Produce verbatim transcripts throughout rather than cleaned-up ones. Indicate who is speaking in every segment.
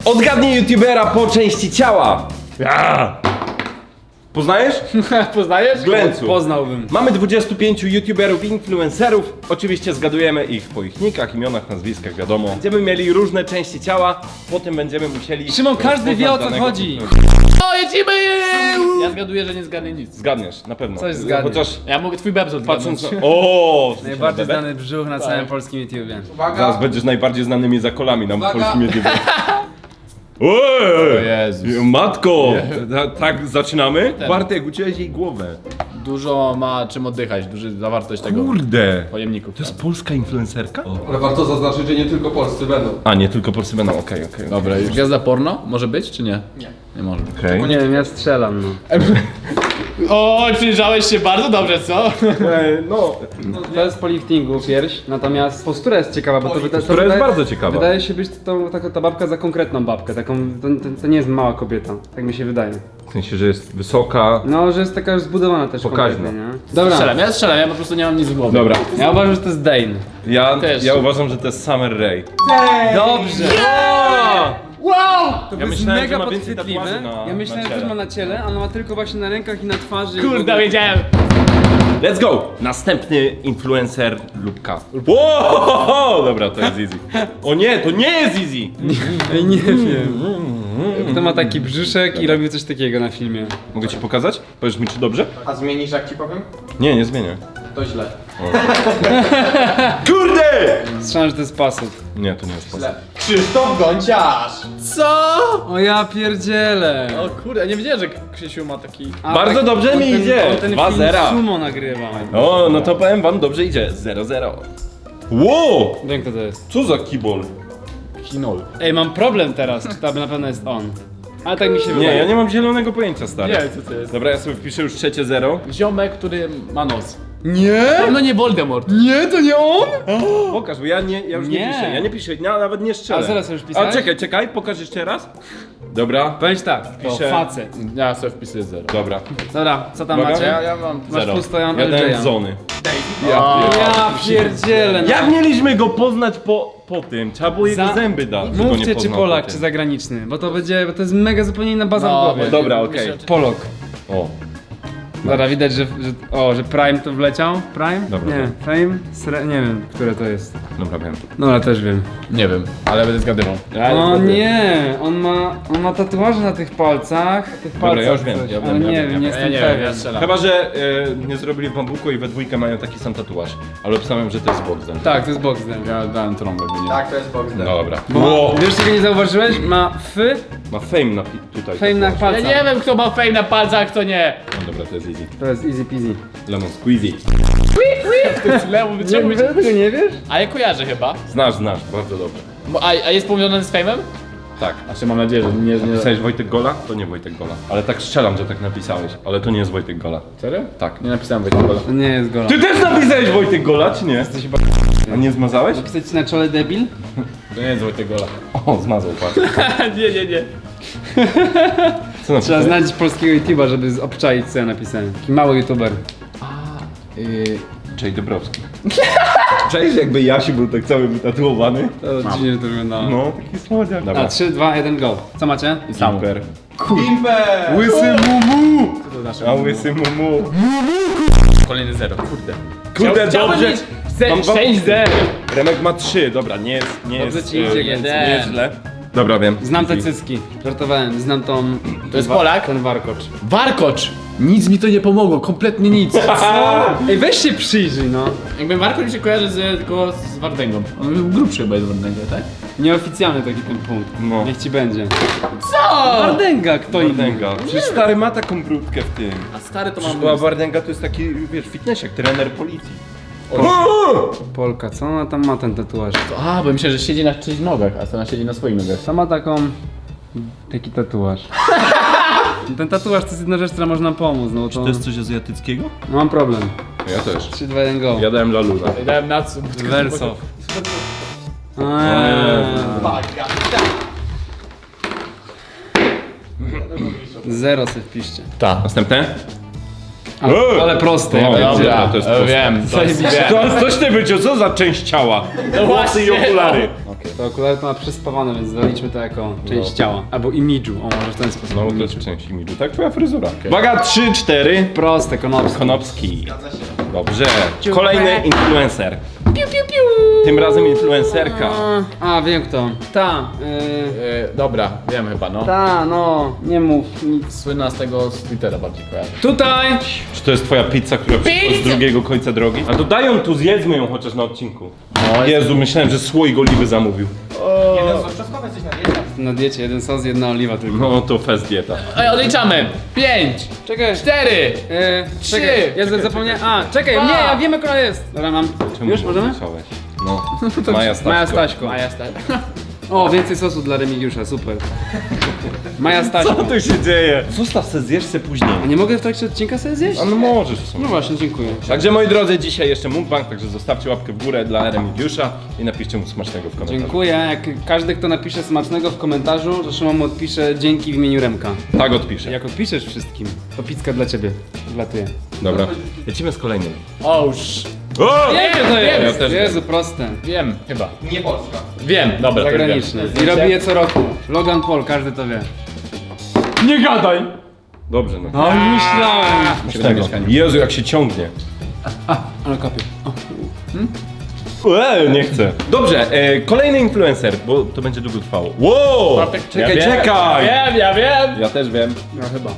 Speaker 1: Odgadnij youtubera po części ciała. Ja. Poznajesz?
Speaker 2: Poznajesz?
Speaker 1: Glęcu.
Speaker 3: Poznałbym.
Speaker 1: Mamy dwudziestu pięciu youtuberów, influencerów. Oczywiście zgadujemy ich po ich nickach, imionach, nazwiskach, wiadomo. Będziemy mieli różne części ciała, potem będziemy musieli...
Speaker 3: Szymon, każdy wie, o co
Speaker 1: rozpoznać
Speaker 3: chodzi.
Speaker 1: danego-
Speaker 2: O, jedziemy! Ja zgaduję, że nie zgadnę nic.
Speaker 1: Zgadniesz, na pewno.
Speaker 3: Coś zgadniesz.
Speaker 1: Chociaż
Speaker 2: Ja mogę twój bebzot
Speaker 1: patrząc
Speaker 2: zgadnąć.
Speaker 1: na... O,
Speaker 3: Najbardziej
Speaker 1: bebek?
Speaker 3: znany brzuch na całym polskim YouTubie.
Speaker 1: Zaraz będziesz najbardziej znanymi zakolami na
Speaker 4: Uwaga.
Speaker 1: polskim YouTubie. Oj!
Speaker 2: O Jezus.
Speaker 1: Matko! Ta, tak zaczynamy? Bartek, uciąłeś jej głowę.
Speaker 2: Dużo ma czym oddychać, duży zawartość tego
Speaker 1: Kurde!
Speaker 2: pojemników.
Speaker 1: To jest polska influencerka?
Speaker 4: Ale warto zaznaczyć, że nie tylko polscy będą.
Speaker 1: A, nie tylko polscy będą, okej, okej. okej.
Speaker 2: Dobra, już gwiazda porno? Może być, czy nie?
Speaker 4: Nie.
Speaker 2: Nie może.
Speaker 1: Okej.
Speaker 3: Nie wiem, ja strzelam, no.
Speaker 2: O, przyjrzałeś się bardzo dobrze, co?
Speaker 1: E, No,
Speaker 3: To jest po liftingu pierś, natomiast postura jest ciekawa, bo to, wyda- to
Speaker 1: Postura jest
Speaker 3: wydaje-
Speaker 1: bardzo ciekawa.
Speaker 3: Wydaje się być tą, taką, ta babka za konkretną babkę, taką, to, to, to nie jest mała kobieta, tak mi się wydaje.
Speaker 1: w sensie, że jest wysoka.
Speaker 3: No, że jest taka już zbudowana też
Speaker 1: Pokaźna.
Speaker 3: kompletnie, nie? Dobra,
Speaker 2: Strzelam, ja strzelam, ja po prostu nie mam nic w głowie.
Speaker 1: Dobra,
Speaker 3: ja uważam, że to jest Dane.
Speaker 1: ja,
Speaker 2: Też.
Speaker 1: ja uważam, że to jest Summer Rae.
Speaker 3: Dobrze!
Speaker 2: Wow!
Speaker 3: To
Speaker 1: Ja
Speaker 3: jest
Speaker 1: myślałem,
Speaker 3: mega
Speaker 1: że ma więcej
Speaker 3: podchwytliwe.
Speaker 1: tatuaży na-
Speaker 3: Ja myślałem,
Speaker 1: na
Speaker 3: że też
Speaker 1: ciele.
Speaker 3: ma na ciele, a ona ma tylko właśnie na rękach i na twarzy. i w
Speaker 2: Kurde,
Speaker 3: ogóle-
Speaker 2: wiedziałem.
Speaker 1: Let's go! Następny influencer Lubka. Wow! Dobra, to jest easy. O nie, to nie jest easy!
Speaker 3: Ej, nie wiem. Kto ma taki brzuszek i robił coś takiego na filmie.
Speaker 1: Mogę ci pokazać? Powiesz mi, czy dobrze?
Speaker 4: A zmienisz, jak ci powiem?
Speaker 1: Nie, nie zmienię.
Speaker 4: To źle.
Speaker 1: Kurde!
Speaker 3: Strzelam, że to jest pasut.
Speaker 1: Nie, to nie jest sposób.
Speaker 4: Źle. Krzysztof Gąciarz!
Speaker 2: Co?
Speaker 3: O ja pierdzielę.
Speaker 2: O kurde, ja nie wiedziałem, że Krzysiu ma taki...
Speaker 3: A,
Speaker 1: Bardzo dobrze
Speaker 3: on
Speaker 1: mi
Speaker 3: ten-
Speaker 1: idzie.
Speaker 3: On ten
Speaker 1: dwa
Speaker 3: film
Speaker 1: zera.
Speaker 3: sumo nagrywa.
Speaker 1: O, no to powiem wam, dobrze idzie. zero zero. Wow!
Speaker 3: Wiem, kto to jest.
Speaker 1: Co za kibol?
Speaker 2: Kinol.
Speaker 3: Ej, mam problem teraz, czy to na pewno jest on. Ale tak mi się
Speaker 1: Nie,
Speaker 3: wydaje.
Speaker 1: ja nie mam zielonego pojęcia, stary.
Speaker 2: Nie wiem, co to jest.
Speaker 1: Dobra, ja sobie wpiszę już trzecie zero.
Speaker 2: Ziomek, który ma nos.
Speaker 3: Nie?
Speaker 2: No nie Voldemort.
Speaker 3: Nie, to nie on?
Speaker 1: Pokaż, bo ja, nie, ja już nie,
Speaker 3: Nie.
Speaker 1: piszę. Ja nie piszę, ja nawet nie strzelę.
Speaker 3: A zaraz już pisałeś?
Speaker 1: A czekaj, czekaj, pokaż jeszcze raz. Dobra,
Speaker 3: Bądź tak, to
Speaker 1: Piszę.
Speaker 3: facet.
Speaker 2: Ja sobie wpisuję zero.
Speaker 1: dobra.
Speaker 3: Dobra, co tam
Speaker 1: Uwaga.
Speaker 3: macie?
Speaker 2: Ja, ja mam
Speaker 3: Masz
Speaker 1: Zero.
Speaker 3: pusto, ja mam
Speaker 1: Ja
Speaker 3: L
Speaker 1: dałem
Speaker 3: J a.
Speaker 1: zony.
Speaker 2: Ja,
Speaker 3: Ja pierdzielę, no.
Speaker 1: Jak mieliśmy go poznać po, po tym? Trzeba było jego
Speaker 3: Za-
Speaker 1: zęby dać. żeby go nie
Speaker 3: Mówcie, czy
Speaker 1: poznał
Speaker 3: Polak,
Speaker 1: po
Speaker 3: czy
Speaker 1: tym.
Speaker 3: zagraniczny, bo to będzie, bo to jest mega zupełnie inna baza
Speaker 2: No,
Speaker 3: w głowie.
Speaker 2: bo-
Speaker 1: Dobra, okej.
Speaker 2: Myślę,
Speaker 3: Polok.
Speaker 1: O,
Speaker 3: Dobra, widać, że, że, o, że Prime to wleciał. Prime?
Speaker 1: Dobra,
Speaker 3: Nie, Fame? Sre... Nie wiem, które to jest.
Speaker 1: dobra, wiem.
Speaker 3: Dobra, też wiem.
Speaker 2: Nie wiem, ale będę zgadywał.
Speaker 1: Ja
Speaker 3: O
Speaker 1: zgaduję.
Speaker 3: nie, on ma, on ma tatuaże na tych palcach. Tych
Speaker 1: Dobra,
Speaker 3: palcach
Speaker 1: ja już wiem,
Speaker 3: coś,
Speaker 1: ja wiem,
Speaker 3: ale
Speaker 1: ja
Speaker 3: nie
Speaker 1: wiem,
Speaker 3: wiem,
Speaker 1: ja
Speaker 3: nie
Speaker 1: wiem.
Speaker 3: jestem
Speaker 2: Ja nie wiem,
Speaker 3: pewien.
Speaker 2: ja strzelam.
Speaker 1: Chyba, że e, nie zrobili w bambuku i we dwójkę mają taki sam tatuaż. Ale obstawiam, że to jest Bogdan.
Speaker 3: Tak, to jest Boxdel.
Speaker 2: Ja dałem trąbę, by nie.
Speaker 4: Tak, to jest Boxdel.
Speaker 1: Dobra.
Speaker 3: Bo
Speaker 1: Wow.
Speaker 3: ma, wiesz czego nie zauważyłeś? Ma F,
Speaker 1: Ma fame na pi- tutaj.
Speaker 3: fame na
Speaker 2: Ja
Speaker 3: palcach.
Speaker 2: nie wiem, kto ma fame na palcach, kto nie.
Speaker 1: No dobra, to jest easy.
Speaker 3: To jest easy peasy.
Speaker 1: Lemon squeezy.
Speaker 2: To jest lewo
Speaker 3: Nie,
Speaker 2: wyciągnąć.
Speaker 3: tego nie wiesz?
Speaker 2: A ja kojarzę chyba.
Speaker 1: Znasz, znasz, bardzo dobrze.
Speaker 2: Bo- A, a jest powiązany z fame'em?
Speaker 1: Tak.
Speaker 2: Znaczy mam nadzieję, że nie... nie...
Speaker 1: Napisałeś Wojtek Gola? To nie Wojtek Gola. Ale tak strzelam, że tak napisałeś. Ale to nie jest Wojtek Gola.
Speaker 2: Serio?
Speaker 1: Tak.
Speaker 2: Nie napisałem Wojtek Gola.
Speaker 3: To nie jest gola.
Speaker 1: Ty też napisałeś Wojtek Gola, czy nie? Jesteś chyba... A nie zmazałeś?
Speaker 3: Napisać ci na czole debil?
Speaker 2: To nie jest Wojtek Gola.
Speaker 1: O, zmazał, patrz.
Speaker 2: nie, nie, nie.
Speaker 1: Co
Speaker 3: Trzeba
Speaker 1: napisałeś?
Speaker 3: znać polskiego YouTube'a, żeby z- obczaić co ja napisałem. Taki mały YouTuber.
Speaker 1: Yy, Jay Dobrowski. Cześć, jakby Jasi był tak cały wytatuowany.
Speaker 3: To dziwnie to wyglądało.
Speaker 1: No, taki słodziak.
Speaker 3: A,
Speaker 1: Dobra.
Speaker 3: trzy, dwa, jeden, go. Co macie?
Speaker 2: I samo.
Speaker 1: Super.
Speaker 4: Imper!
Speaker 1: Łysy mumu!
Speaker 2: Co to znaczy?
Speaker 1: A łysy mumu.
Speaker 2: Kolejny zero, kurde.
Speaker 1: Kurde,
Speaker 2: Chciałbym
Speaker 1: dobrze.
Speaker 2: mieć ze-
Speaker 1: Mam dwa
Speaker 2: sześć zero.
Speaker 1: Remek ma trzy, dobra, nie jest, nie
Speaker 3: Dobrze
Speaker 1: jest,
Speaker 3: ci idzie,
Speaker 1: e,
Speaker 3: Glencu.
Speaker 1: nie jest źle. Dobra, wiem.
Speaker 3: Znam te cycki. Żartowałem, znam tą...
Speaker 2: To jest
Speaker 3: wa-
Speaker 2: Polak?
Speaker 3: Ten warkocz.
Speaker 2: Warkocz! Nic mi to nie pomogło, kompletnie nic.
Speaker 3: Ej, weź się przyjrzyj, no.
Speaker 2: Jakby Warkocz mi się kojarzy z, tylko z Wardęgą. On był grubszy chyba jest Wardęga, tak?
Speaker 3: Nieoficjalny taki ten punkt.
Speaker 1: No.
Speaker 3: Niech ci będzie.
Speaker 2: Co?
Speaker 3: Wardęga, kto inny?
Speaker 1: Wardęga. Przecież stary ma taką brudkę w tym.
Speaker 2: A stary to
Speaker 1: Przecież
Speaker 2: mam...
Speaker 1: była Wardęga to jest taki, wiesz, fitnessiak, trener policji.
Speaker 3: Polka, co ona tam ma ten tatuaż?
Speaker 2: A, bo myślę, że siedzi na czyichś nogach, a ona siedzi na swoich nogach.
Speaker 3: Co ma taką... Taki tatuaż. Ten tatuaż to jest jedna rzecz, która można pomóc, no to...
Speaker 1: coś azjatyckiego?
Speaker 3: No, mam problem.
Speaker 1: Ja też.
Speaker 3: trzy, dwa, jeden, go.
Speaker 1: Ja dałem Laluna.
Speaker 2: I dałem Natsu.
Speaker 3: Verso. Zero se wpiszcie.
Speaker 2: Tak.
Speaker 1: Następne?
Speaker 3: Ale,
Speaker 1: Ej!
Speaker 3: ale proste, ja
Speaker 1: O,
Speaker 3: wiem.
Speaker 1: dobra.
Speaker 2: Dobra,
Speaker 1: to jest
Speaker 2: to
Speaker 1: proste.
Speaker 2: wiem. To jest, wiem.
Speaker 1: To coś ty wyciął, co za część ciała?
Speaker 2: No
Speaker 1: Włosy i
Speaker 2: właśnie,
Speaker 1: okulary.
Speaker 2: okej.
Speaker 3: To okulary to ma przyspawane, więc zaliczmy to jako część ciała. Albo imidżu, o może w ten sposób.
Speaker 1: No to
Speaker 3: imidżu.
Speaker 1: jest część imidżu, tak? Twoja fryzura. Uwaga, trzy, cztery.
Speaker 3: Proste, konopskie.
Speaker 1: Konopski. Dobrze. Kolejny influencer. Tym razem influencerka.
Speaker 3: A, a wiem kto. Ta, yy,
Speaker 2: Yy, dobra, wiem chyba, no.
Speaker 3: ta, no, nie mów nic.
Speaker 2: Słynna z tego z Twittera bardziej kojarzy.
Speaker 3: Tutaj!
Speaker 1: Czy to jest twoja pizza, która przyszła z drugiego końca drogi? A to daj ją tu, zjedzmy ją chociaż na odcinku.
Speaker 2: No,
Speaker 1: Jezu, myślałem, że słoik oliwy zamówił.
Speaker 4: Jeden sos czosnkowy, jesteś na diecie.
Speaker 3: Na diecie jeden sos, jedna oliwa tylko.
Speaker 1: No to fest dieta.
Speaker 2: Ej, odliczamy! Pięć!
Speaker 3: Czekaj,
Speaker 2: Cztery!
Speaker 3: Yy,
Speaker 2: Trzy.
Speaker 3: czekaj, ja czekaj, zapomniałem. A, czekaj,
Speaker 2: Dwa.
Speaker 3: nie, ja wiem jak ona jest. Dobra, mam.
Speaker 1: Czemu
Speaker 3: Już możemy?
Speaker 1: odliczałeś? No. Maja Staśko.
Speaker 3: Maja Staśko.
Speaker 2: A ja stary.
Speaker 3: O, więcej sosu dla Remigiusza, super. Maja Staśko.
Speaker 1: Co tu się dzieje? Zostaw se, zjesz se później.
Speaker 3: A nie mogę w trakcie odcinka sobie zjeść?
Speaker 1: A no możesz w sumie.
Speaker 3: No właśnie, dziękuję.
Speaker 1: Także moi drodzy, dzisiaj jeszcze mukbang, także zostawcie łapkę w górę dla Remigiusza i napiszcie mu smacznego w komentarzu.
Speaker 3: Dziękuję. Jak każdy, kto napisze smacznego w komentarzu, to Szymon mu odpisze dzięki w imieniu Remka.
Speaker 1: Tak odpiszę.
Speaker 3: Jak odpiszesz wszystkim, to pizka dla ciebie. Wlatuje.
Speaker 1: Dobra. Lecimy z kolejnym.
Speaker 2: Oż.
Speaker 1: O!
Speaker 3: Nie, to
Speaker 2: wiem,
Speaker 3: jest.
Speaker 1: ja też
Speaker 3: Jezu, proste.
Speaker 2: Wiem, chyba.
Speaker 4: Nie Polska.
Speaker 2: Wiem, dobra, to
Speaker 3: Zagraniczne.
Speaker 2: wiem.
Speaker 3: I robi je co roku. Logan Paul, każdy to wie.
Speaker 2: Nie gadaj!
Speaker 1: Dobrze, no.
Speaker 3: No myślałem.
Speaker 1: Tego. Jezu, jak się ciągnie.
Speaker 3: Ale kopię.
Speaker 1: Eee, nie chcę. Dobrze, e, kolejny influencer, bo to będzie długo trwało. Wow!
Speaker 2: Bartek,
Speaker 1: Czekaj,
Speaker 2: ja wiem,
Speaker 1: czekaj!
Speaker 2: Ja wiem, ja wiem!
Speaker 1: Ja też wiem.
Speaker 3: No chyba.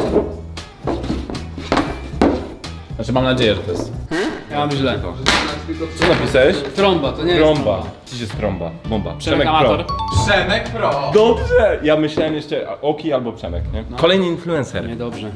Speaker 2: Znaczy mam nadzieję, że to jest.
Speaker 3: Ja mam źle.
Speaker 1: Co napisałeś?
Speaker 3: Trąba, to nie jest
Speaker 1: Trąba. Dziś jest trąba. Bomba.
Speaker 2: Przemek
Speaker 1: Pro.
Speaker 2: Amator.
Speaker 4: Przemek Pro.
Speaker 1: Dobrze! Ja myślałem jeszcze a, Oki albo Przemek, nie? Kolejny influencer.
Speaker 3: Niedobrze.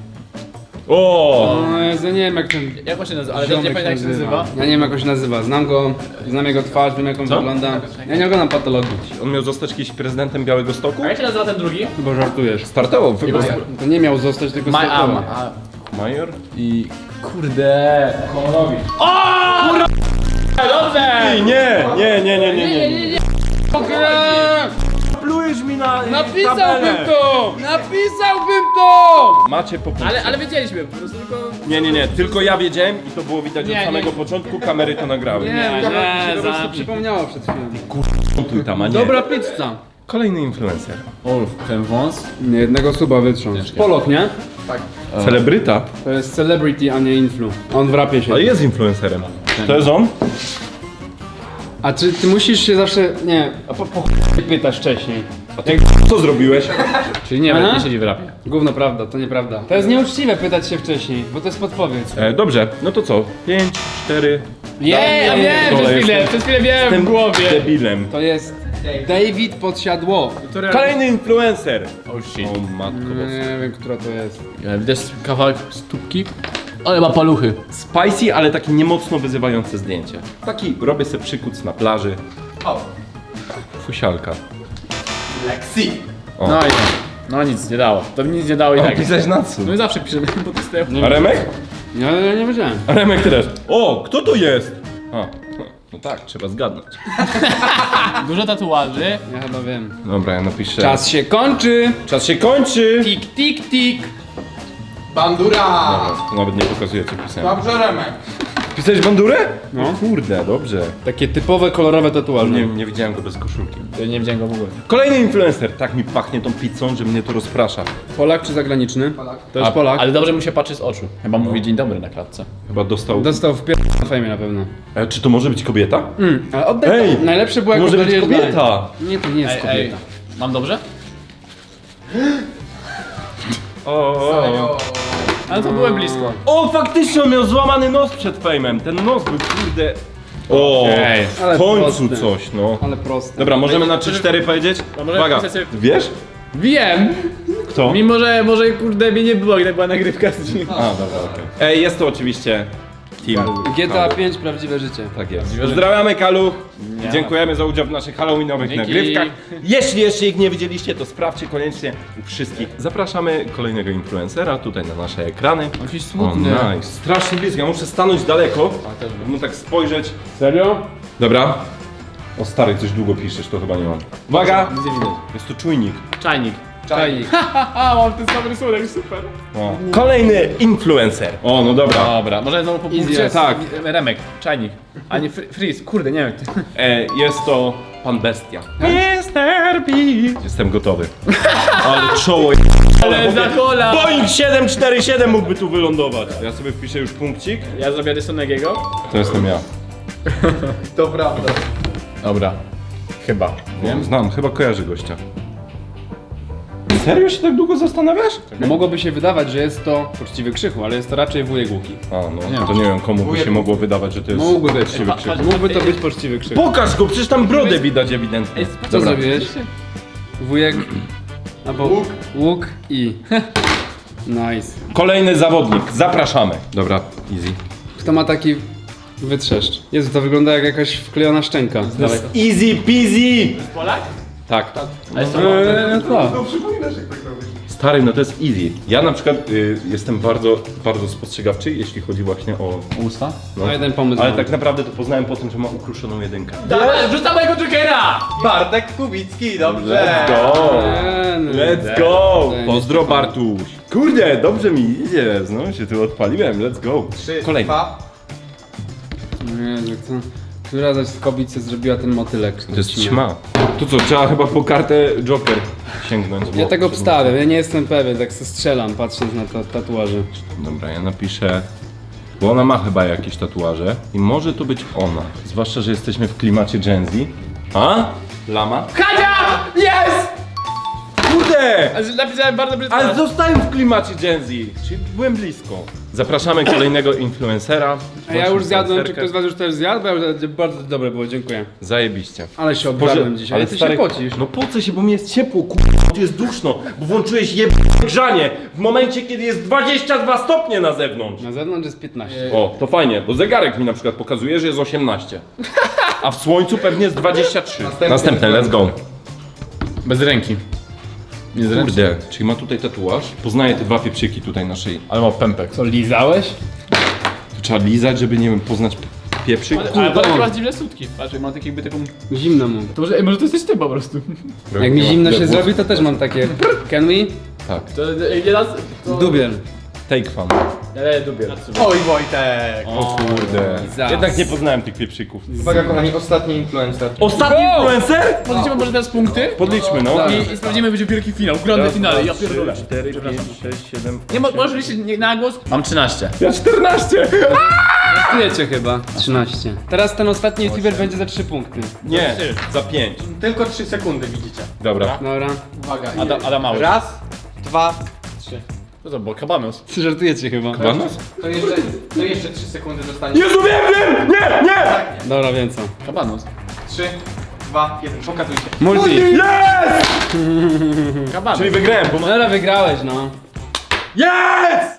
Speaker 1: O!
Speaker 3: No Jezu, nie wiem jak ten
Speaker 2: Jak on się nazywa? Ale nie pamiętam jak się nazywa.
Speaker 3: Ja nie wiem jak on się nazywa. Znam go, znam jego twarz, wiem jak on
Speaker 1: Co?
Speaker 3: wygląda. Ja nie oglądam patologii.
Speaker 1: On miał zostać kiedyś prezydentem Białego Stoku?
Speaker 2: A jak się nazywa ten drugi?
Speaker 3: Chyba żartujesz.
Speaker 1: Startował w wyborach.
Speaker 3: To nie miał zostać, tylko
Speaker 2: Ma, a,
Speaker 3: startował.
Speaker 2: ma, a,
Speaker 1: Major?
Speaker 2: I kurde. Kononowicz. O! Kurwa! Dobrze!
Speaker 1: Nie, nie, nie, nie, nie, nie. nie.
Speaker 3: Eee,
Speaker 1: Plujesz mi na
Speaker 3: Napisałbym to! Napisałbym to!
Speaker 1: Macie po punkcie.
Speaker 2: Ale, ale wiedzieliśmy, po prostu tylko...
Speaker 1: Nie, nie, nie, tylko ja wiedziałem i to było widać
Speaker 2: Nie,
Speaker 1: od samego
Speaker 2: nie.
Speaker 1: początku, kamery to nagrały.
Speaker 3: Nie,
Speaker 2: Nie,
Speaker 3: mi się
Speaker 2: nie,
Speaker 3: po prostu
Speaker 2: zabij.
Speaker 3: przypomniało przed chwilą.
Speaker 1: Montuj tam, a nie.
Speaker 3: Dobra pizza.
Speaker 1: Kolejny influencer.
Speaker 2: Ulf, ten wąs.
Speaker 3: Nie, jednego suba wytrząs. Polok, nie?
Speaker 1: Celebryta?
Speaker 3: To jest celebrity, a nie influ. On w rapie się.
Speaker 1: Ale jest influencerem. To jest on?
Speaker 3: A czy ty musisz się zawsze... Nie, a po, po chuj pytasz wcześniej.
Speaker 1: A ty co zrobiłeś?
Speaker 2: Czyli nie,
Speaker 3: Aha.
Speaker 2: nie siedzi w rapie.
Speaker 3: Gówno prawda, to nieprawda. To jest nieuczciwe pytać się wcześniej, bo to jest podpowiedź.
Speaker 1: E, dobrze, no to co? Pięć, cztery.
Speaker 2: Nie, ja
Speaker 3: nie,
Speaker 2: wiem,
Speaker 1: dole
Speaker 2: przez chwilę,
Speaker 1: jestem.
Speaker 2: przez chwilę wiem
Speaker 1: Jestem
Speaker 2: w głowie.
Speaker 1: debilem.
Speaker 3: To jest David Podsiadło.
Speaker 1: Kolejny influencer.
Speaker 2: Oh shit.
Speaker 1: O matko boska.
Speaker 3: Nie wiem, która to jest.
Speaker 2: Widać kawałek stópki, ale ma paluchy.
Speaker 1: Spicy, ale takie niemocno wyzywające zdjęcie. Taki robię sobie przykuc na plaży.
Speaker 4: O.
Speaker 1: Fusialka.
Speaker 4: Lexi.
Speaker 1: O.
Speaker 2: No i no nic nie dało. To mi nic nie dało i tak.
Speaker 1: Pisać na co?
Speaker 2: No i zawsze piszemy po testu.
Speaker 1: A Remek?
Speaker 3: Ja, ja nie wiedziałem.
Speaker 1: A Remek też. O, kto to jest? A, no tak, trzeba zgadnąć.
Speaker 2: Dużo tatuaży.
Speaker 3: Ja chyba wiem.
Speaker 1: Dobra, ja napiszę.
Speaker 3: Czas się kończy!
Speaker 1: Czas się kończy!
Speaker 3: Tik, tik, tik!
Speaker 4: Bandura.
Speaker 1: Dobra, to nawet nie pokazuję, co pisałem.
Speaker 4: Dobrze, Remek.
Speaker 1: Pisałeś bandurę?
Speaker 3: No.
Speaker 1: O kurde, dobrze.
Speaker 3: Takie typowe kolorowe tatuaże.
Speaker 1: Nie, nie widziałem go bez koszulki.
Speaker 2: Ja nie widziałem go w ogóle.
Speaker 1: Kolejny influencer. Tak mi pachnie tą pizzą, że mnie to rozprasza.
Speaker 3: Polak czy zagraniczny?
Speaker 4: Polak.
Speaker 3: To jest
Speaker 2: A,
Speaker 3: Polak.
Speaker 2: Ale dobrze mu się patrzy z oczu. Chyba mówi dzień dobry na klatce.
Speaker 1: Chyba dostał...
Speaker 3: Dostał w pier... na fejmie na pewno.
Speaker 1: E, czy to może być kobieta?
Speaker 3: Mm, ale oddaj
Speaker 1: Ej,
Speaker 3: to. Najlepsze było
Speaker 1: To
Speaker 3: jak
Speaker 1: może być
Speaker 3: oddaliłeś
Speaker 1: kobieta.
Speaker 3: dalej. Nie, to nie jest
Speaker 2: Ej, ej,
Speaker 3: kobieta.
Speaker 2: mam dobrze?
Speaker 1: O, o, o.
Speaker 2: Ale to byłem blisko.
Speaker 1: o, faktycznie on miał złamany nos przed fejmem. Ten nos był kurde... O,
Speaker 2: Okej.
Speaker 1: w
Speaker 3: Ale
Speaker 1: końcu
Speaker 3: proste.
Speaker 1: coś, no.
Speaker 3: Ale proste.
Speaker 1: Dobra, możemy na trzy cztery powiedzieć?
Speaker 2: A może
Speaker 1: Uwaga,
Speaker 2: napisać sobie-
Speaker 1: wiesz?
Speaker 2: Wiem!
Speaker 1: Kto?
Speaker 2: Mimo, że może kurde mnie nie było, jak była nagrywka z nim.
Speaker 1: A, dobra, okej. Ej, jest to oczywiście Team
Speaker 3: G T A
Speaker 1: Kaluch.
Speaker 3: pięć prawdziwe życie.
Speaker 1: Tak jest. Pozdrawiamy Kaluch. Dziękujemy za udział w naszych halloweenowych
Speaker 2: Dzięki.
Speaker 1: nagrywkach. Jeśli jeszcze ich nie widzieliście, to sprawdźcie koniecznie u wszystkich. Zapraszamy kolejnego influencera tutaj na nasze ekrany.
Speaker 2: Jakiś
Speaker 1: O,
Speaker 2: smutny.
Speaker 1: nice. Strasznie blisko. Ja muszę stanąć daleko, żeby mu tak spojrzeć.
Speaker 3: Serio?
Speaker 1: Dobra. O stary, coś długo piszesz, to chyba nie mam. Uwaga!
Speaker 2: Nic nie widać.
Speaker 1: Jest to czujnik.
Speaker 2: Czajnik.
Speaker 3: Czajnik.
Speaker 2: Haha, mam ten sam rysunek, super.
Speaker 1: O. Kolejny influencer. O, no dobra.
Speaker 2: Dobra, może znowu po punkcie?
Speaker 3: Easy,
Speaker 1: tak.
Speaker 2: Remek, czajnik. A nie fr- freeze, kurde, nie wiem.
Speaker 1: E, jest to Pan Bestia. mister Beast. Jestem gotowy. Ale czoło
Speaker 2: Ale za kola!
Speaker 1: Boeing siedem cztery siedem mógłby tu wylądować. Ja sobie wpiszę już punkcik.
Speaker 2: Ja zrobię Rysonegiego.
Speaker 1: To jestem ja.
Speaker 4: To prawda.
Speaker 2: Dobra. Chyba.
Speaker 1: Wiem, znam, chyba kojarzy gościa. Serio się tak długo zastanawiasz?
Speaker 3: No mogłoby się wydawać, że jest to poczciwy Krzychu, ale jest to raczej wujek Łuki.
Speaker 1: A no,
Speaker 2: Nie.
Speaker 1: to nie wiem komu by się mogło wydawać, że to jest
Speaker 3: Mógłby być.
Speaker 1: poczciwy krzyk.
Speaker 3: Mógłby to być poczciwy Krzychu.
Speaker 1: Pokaż go, przecież tam brodę widać ewidentnie.
Speaker 3: Co zrobiłeś? Wujek... Albo łuk. Łuk i... Nice.
Speaker 1: Kolejny zawodnik, zapraszamy. Dobra, easy.
Speaker 3: Kto ma taki wytrzeszcz? Jezu, to wygląda jak jakaś wklejona szczęka. Dawaj.
Speaker 1: Easy peasy!
Speaker 2: Polak?
Speaker 1: Tak.
Speaker 2: Ale są
Speaker 3: Eee, co?
Speaker 1: Stary, no to jest easy. Ja na przykład y, jestem bardzo, bardzo spostrzegawczy, jeśli chodzi właśnie o...
Speaker 2: usta?
Speaker 3: No jeden pomysł
Speaker 1: Ale
Speaker 3: mam.
Speaker 1: tak naprawdę to poznałem po tym, że ma ukruszoną jedynkę.
Speaker 2: Dawaj, wrzucam mojego Jokera!
Speaker 4: Bartek Kubicki, dobrze.
Speaker 1: Let's go!
Speaker 3: Eee, no.
Speaker 1: Let's go!
Speaker 3: Eee,
Speaker 1: Pozdro Bartuś! Kurde, dobrze mi idzie, znowu się tu odpaliłem, let's go!
Speaker 4: Trzy,
Speaker 1: Kolejny.
Speaker 4: dwa.
Speaker 3: Nie, co? Która zaś z kobicy zrobiła ten motylek?
Speaker 1: To jest ćma. To co, trzeba chyba po kartę Joker sięgnąć.
Speaker 3: Ja
Speaker 1: bo-
Speaker 3: tego obstawiam, ja nie jestem pewien, tak se strzelam patrząc na ta tatuaże.
Speaker 1: Dobra, ja napiszę... Bo ona ma chyba jakieś tatuaże i może to być ona. Zwłaszcza, że jesteśmy w klimacie Gen Z. A? Lama?
Speaker 2: Kadzia! Jest!
Speaker 1: Kurde!
Speaker 2: Ale napisałem bardzo brzydko.
Speaker 1: Ale zostałem w klimacie Gen Z, czyli byłem blisko. Zapraszamy kolejnego influencera.
Speaker 3: A ja już zjadłem, czy
Speaker 1: Influencerkę.
Speaker 3: ktoś z was już też zjadł? Bo ja już- bardzo dobre było, dziękuję.
Speaker 1: Zajebiście.
Speaker 3: Ale się obżarłem dzisiaj, ale ty się pocisz.
Speaker 1: No po co się, bo mi jest ciepło, ku... tu jest duszno, bo włączyłeś jeb... grzanie w momencie, kiedy jest dwadzieścia dwa stopnie na zewnątrz.
Speaker 3: Na zewnątrz jest piętnaście.
Speaker 1: O, to fajnie, bo zegarek mi na przykład pokazuje, że jest osiemnaście. A w słońcu pewnie jest dwadzieścia trzy.
Speaker 4: Następny.
Speaker 1: Następne, let's go.
Speaker 2: Bez ręki. Nie z ręki.
Speaker 1: Kurde, czyli ma tutaj tatuaż. Poznaję te dwa pieprzyki tutaj na szyi.
Speaker 2: Ale ma pępek.
Speaker 3: Co, lizałeś?
Speaker 1: To trzeba lizać, żeby, nie wiem, poznać pieprzyk.
Speaker 2: Ale, ale Polak ma dziwne sutki. Patrz, jak ma tak jakby taką...
Speaker 3: Zimno mu.
Speaker 2: To może, ej, może to jesteś ty po prostu.
Speaker 3: Jak mi zimno się zrobi, to też mam takie. Can we?
Speaker 1: Tak,
Speaker 2: To nie raz... To...
Speaker 3: Dubiel.
Speaker 1: take fan.
Speaker 2: Nie, dubiel.
Speaker 4: Oj Wojtek.
Speaker 1: O kurde.
Speaker 3: Zas.
Speaker 1: Jednak nie poznałem tych pieprzyków.
Speaker 4: Uwaga kochani, ostatni influencer.
Speaker 1: Ostatni influencer?
Speaker 2: Podliczymy może teraz punkty?
Speaker 1: Podliczmy, no.
Speaker 2: I, i sprawdzimy, będzie wielki finał, grande finale, ja pierdolę.
Speaker 1: cztery, pięć, sześć, siedem.
Speaker 2: Nie, mo- możesz liczyć nie- na głos? Mam trzynaście.
Speaker 1: Ja czternaście!
Speaker 3: Wiecie chyba. trzynaście. Teraz ten ostatni youtuber będzie za trzy punkty.
Speaker 1: Nie, za pięć.
Speaker 4: Tylko trzy sekundy widzicie.
Speaker 1: Dobra.
Speaker 3: Dobra.
Speaker 4: Uwaga.
Speaker 2: Ada, Ada Mały.
Speaker 4: Raz, dwa, trzy.
Speaker 2: Co to było? Kabanos.
Speaker 3: Żartujecie chyba.
Speaker 1: Banos?
Speaker 4: To jeszcze, to jeszcze trzy sekundy zostanie.
Speaker 1: Jezu, wiem, wiem! Nie, nie!
Speaker 3: Dobra, wiem co.
Speaker 2: Kabanos.
Speaker 4: Trzy, dwa, jeden. Pokazujcie.
Speaker 3: Multi.
Speaker 1: Jest!
Speaker 2: Kabanos.
Speaker 1: Czyli wygrałem, bo ma...
Speaker 3: Dobra, wygrałeś no.
Speaker 1: Jest!